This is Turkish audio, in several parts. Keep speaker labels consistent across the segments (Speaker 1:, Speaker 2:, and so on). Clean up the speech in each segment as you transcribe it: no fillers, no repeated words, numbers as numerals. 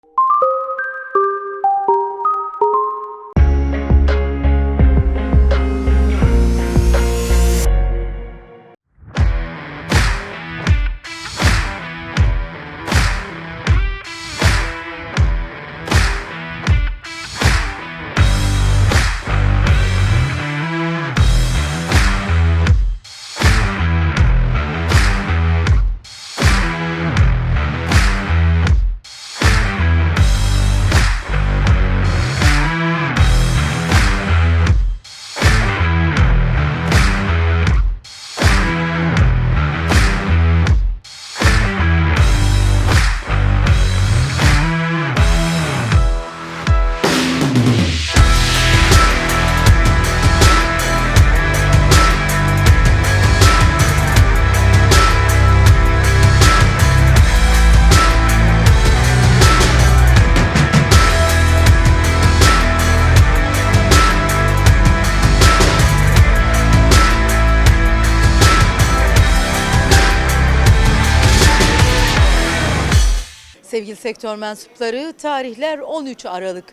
Speaker 1: Sevgili sektör mensupları, tarihler 13 Aralık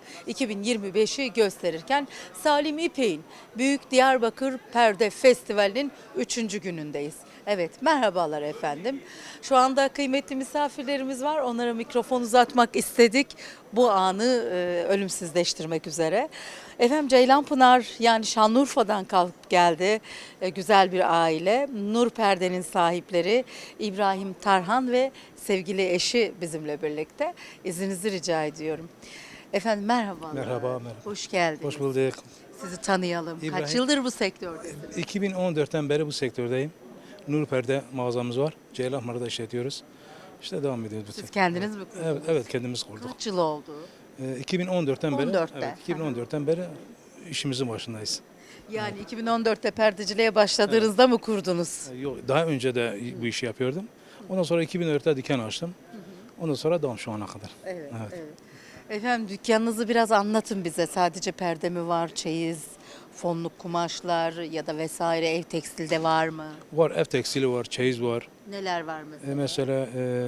Speaker 1: 2025'i gösterirken Salim İpek'in Büyük Diyarbakır Perde Festivali'nin 3. günündeyiz. Evet, merhabalar efendim. Şu anda kıymetli misafirlerimiz var. Onlara mikrofon uzatmak istedik. Bu anı ölümsüzleştirmek üzere. Efendim Ceylanpınar yani Şanlıurfa'dan kalkıp geldi. Güzel bir aile. Nur Perde'nin sahipleri İbrahim Tarhan ve sevgili eşi bizimle birlikte. İzninizi rica ediyorum. Efendim merhabalar.
Speaker 2: Merhaba, merhaba.
Speaker 1: Hoş geldiniz.
Speaker 2: Hoş bulduk.
Speaker 1: Sizi tanıyalım. Kaç
Speaker 2: İbrahim.
Speaker 1: yıldır bu sektördesiniz?
Speaker 2: 2014'ten beri bu sektördeyim. Nur Perde mağazamız var. Ceylanpınar'da işletiyoruz. İşte devam ediyoruz.
Speaker 1: Siz kendiniz mi kurdunuz?
Speaker 2: Evet, kendimiz kurduk.
Speaker 1: Kaç yıl oldu?
Speaker 2: 2014'ten beri
Speaker 1: 14'te.
Speaker 2: evet, 2014'ten beri işimizin başındayız.
Speaker 1: Yani 2014'te perdeciliğe başladığınızda mı kurdunuz?
Speaker 2: Yok, daha önce de bu işi yapıyordum. Ondan sonra 2004'te dükkan açtım. Ondan sonra devam şu ana kadar.
Speaker 1: Evet, evet. Efendim dükkanınızı biraz anlatın bize. Sadece perde mi var, çeyiz, fonluk kumaşlar ya da vesaire ev tekstilde var mı?
Speaker 2: Var, ev tekstili var, çeyiz var.
Speaker 1: Neler var mesela?
Speaker 2: Mesela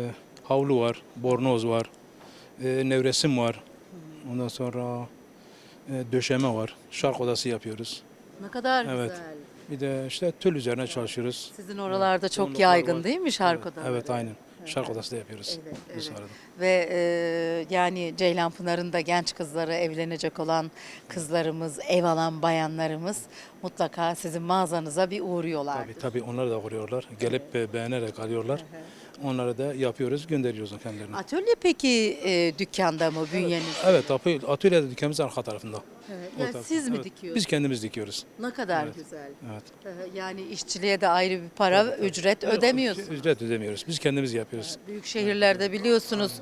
Speaker 2: havlu var, bornoz var, nevresim var. Ondan sonra döşeme var. Şark odası yapıyoruz.
Speaker 1: Ne kadar
Speaker 2: Evet.
Speaker 1: güzel.
Speaker 2: Bir de işte tül üzerine çalışıyoruz.
Speaker 1: Sizin oralarda çok
Speaker 2: Yoğunluklar
Speaker 1: yaygın
Speaker 2: var.
Speaker 1: değil mi şark
Speaker 2: Evet,
Speaker 1: odaları?
Speaker 2: evet aynen. Şark odası da yapıyoruz.
Speaker 1: Evet,
Speaker 2: bu
Speaker 1: evet.
Speaker 2: sırada.
Speaker 1: Ve yani Ceylanpınar'ın da genç kızları, evlenecek olan kızlarımız, ev alan bayanlarımız mutlaka sizin mağazanıza bir uğruyorlar.
Speaker 2: Tabii onları da kuruyorlar. Gelip beğenerek alıyorlar. Onları da yapıyoruz, gönderiyoruz kendilerine.
Speaker 1: Atölye peki dükkanda mı bünyeniz?
Speaker 2: Evet, atölyede dükkanımız arka tarafında.
Speaker 1: Evet.
Speaker 2: O
Speaker 1: Yani
Speaker 2: taraf-
Speaker 1: siz mi
Speaker 2: evet,
Speaker 1: dikiyorsunuz?
Speaker 2: Biz kendimiz dikiyoruz.
Speaker 1: Ne kadar
Speaker 2: Evet.
Speaker 1: güzel.
Speaker 2: Evet.
Speaker 1: Yani işçiliğe de ayrı bir para, ücret ödemiyorsunuz.
Speaker 2: Ücret ödemiyoruz. Biz kendimiz yapıyoruz.
Speaker 1: Büyük şehirlerde biliyorsunuz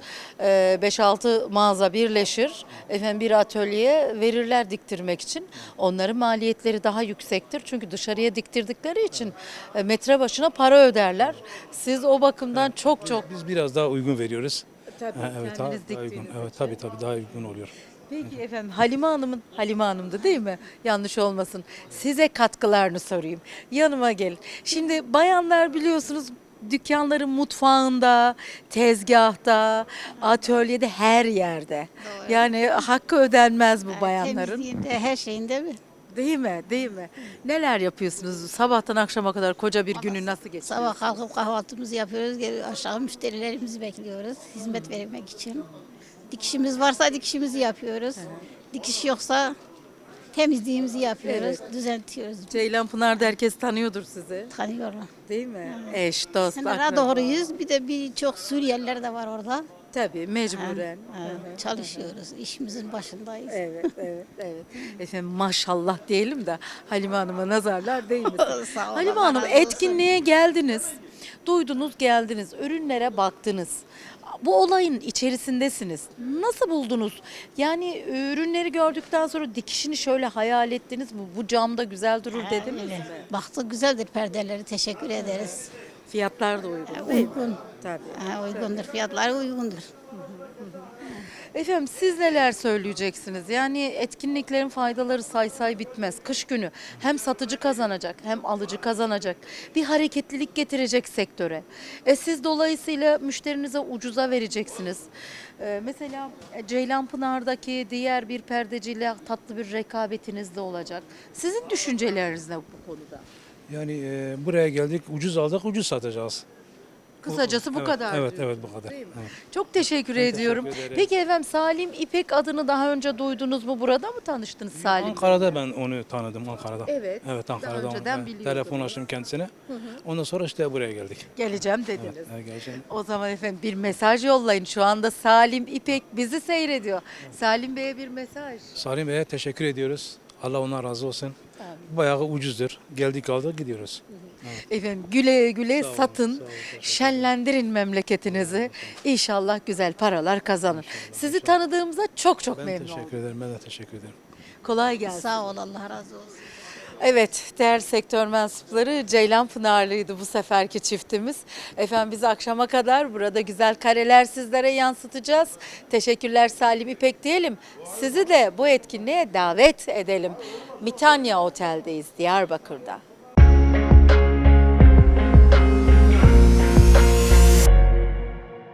Speaker 1: 5-6 mağaza birleşir. Efendim bir atölyeye verirler diktirmek için. Onların maliyetleri daha yüksektir. Çünkü dışarıya diktirdikleri için metre başına para öderler. Siz o bakımdan çok
Speaker 2: Biz biraz daha uygun veriyoruz.
Speaker 1: tabii
Speaker 2: Evet,
Speaker 1: kendiniz
Speaker 2: daha uygun.
Speaker 1: diktiğiniz
Speaker 2: Evet,
Speaker 1: için.
Speaker 2: tabii daha uygun oluyor.
Speaker 1: Peki efendim Halime Hanım'dı değil mi? Yanlış olmasın. Size katkılarını sorayım. Yanıma gelin. Şimdi bayanlar biliyorsunuz dükkanların mutfağında, tezgahta, atölyede her yerde.
Speaker 3: Doğru.
Speaker 1: Yani hakkı ödenmez bu bayanların.
Speaker 3: Temizliğinde, her şeyinde mi?
Speaker 1: Değil mi? Değil mi? Neler yapıyorsunuz? Sabahtan akşama kadar koca bir günü nasıl geçiriyorsunuz?
Speaker 3: Sabah kalkıp kahvaltımızı yapıyoruz, geri aşağı müşterilerimizi bekliyoruz hizmet vermek için. Dikişimiz varsa dikişimizi yapıyoruz. Dikiş yoksa temizliğimizi yapıyoruz, düzeltiyoruz.
Speaker 1: Ceylanpınar'da herkes tanıyordur sizi.
Speaker 3: Tanıyorlar.
Speaker 1: Değil mi? Eş, dost,
Speaker 3: Sınıra
Speaker 1: akraba.
Speaker 3: doğruyuz. Bir de birçok Suriyeliler de var orada.
Speaker 1: Tabii mecburen.
Speaker 3: Çalışıyoruz, işimizin başındayız.
Speaker 1: Evet. Efendim maşallah diyelim de Halime Hanım'a nazarlar değmesin.
Speaker 3: Sağ olun,
Speaker 1: Halime
Speaker 3: Allah
Speaker 1: Hanım
Speaker 3: razı olsun.
Speaker 1: etkinliğe geldiniz. Duydunuz geldiniz. Ürünlere baktınız. Bu olayın içerisindesiniz. Nasıl buldunuz? Yani ürünleri gördükten sonra dikişini şöyle hayal ettiniz mi? Bu camda güzel durur dediniz mi?
Speaker 3: Baktık güzeldir perdeleri, teşekkür ederiz.
Speaker 1: Fiyatlar da uygun değil mi?
Speaker 3: Uygun.
Speaker 1: Tabii.
Speaker 3: Uygundur, fiyatları uygundur.
Speaker 1: Efendim siz neler söyleyeceksiniz? Yani etkinliklerin faydaları say bitmez. Kış günü hem satıcı kazanacak hem alıcı kazanacak. Bir hareketlilik getirecek sektöre. Siz dolayısıyla müşterinize ucuza vereceksiniz. Mesela Ceylanpınar'daki diğer bir perdeciyle tatlı bir rekabetiniz de olacak. Sizin düşünceleriniz ne bu konuda?
Speaker 2: Yani buraya geldik, ucuz aldık, ucuz satacağız.
Speaker 1: Kısacası bu
Speaker 2: Evet,
Speaker 1: kadar
Speaker 2: Evet,
Speaker 1: diyor.
Speaker 2: evet bu kadar.
Speaker 1: Değil mi?
Speaker 2: Evet.
Speaker 1: Çok teşekkür
Speaker 2: Ben
Speaker 1: ediyorum.
Speaker 2: teşekkür ederim.
Speaker 1: Peki efendim Salim İpek adını daha önce duydunuz mu? Burada mı tanıştınız Salim?
Speaker 2: Ankara'da ben onu tanıdım, Ankara'da.
Speaker 1: Evet,
Speaker 2: Evet,
Speaker 1: daha
Speaker 2: Ankara'da.
Speaker 1: önceden
Speaker 2: Evet,
Speaker 1: biliyordunuz.
Speaker 2: telefon açtım kendisine. Ondan sonra işte buraya geldik.
Speaker 1: Geleceğim dediniz.
Speaker 2: Evet, geleceğim.
Speaker 1: O zaman efendim bir mesaj yollayın. Şu anda Salim İpek bizi seyrediyor. Salim Bey'e bir mesaj.
Speaker 2: Salim Bey'e teşekkür ediyoruz. Allah ondan razı olsun. Bayağı ucuzdur. Geldik aldık gidiyoruz.
Speaker 1: Efendim güle güle
Speaker 2: Sağ olun,
Speaker 1: satın,
Speaker 2: sağ olun, teşekkür
Speaker 1: şenlendirin memleketinizi. İnşallah güzel paralar kazanın. Sizi tanıdığımıza çok
Speaker 2: Ben
Speaker 1: memnun
Speaker 2: teşekkür
Speaker 1: oldum.
Speaker 2: ederim. Ben de teşekkür ederim.
Speaker 1: Kolay gelsin.
Speaker 3: Sağ ol, Allah razı olsun.
Speaker 1: Evet, değerli sektör mensupları Ceylanpınarlıydı bu seferki çiftimiz. Efendim biz akşama kadar burada güzel kareler sizlere yansıtacağız. Teşekkürler Salim İpek diyelim. Sizi de bu etkinliğe davet edelim. Mitanya Otel'deyiz Diyarbakır'da.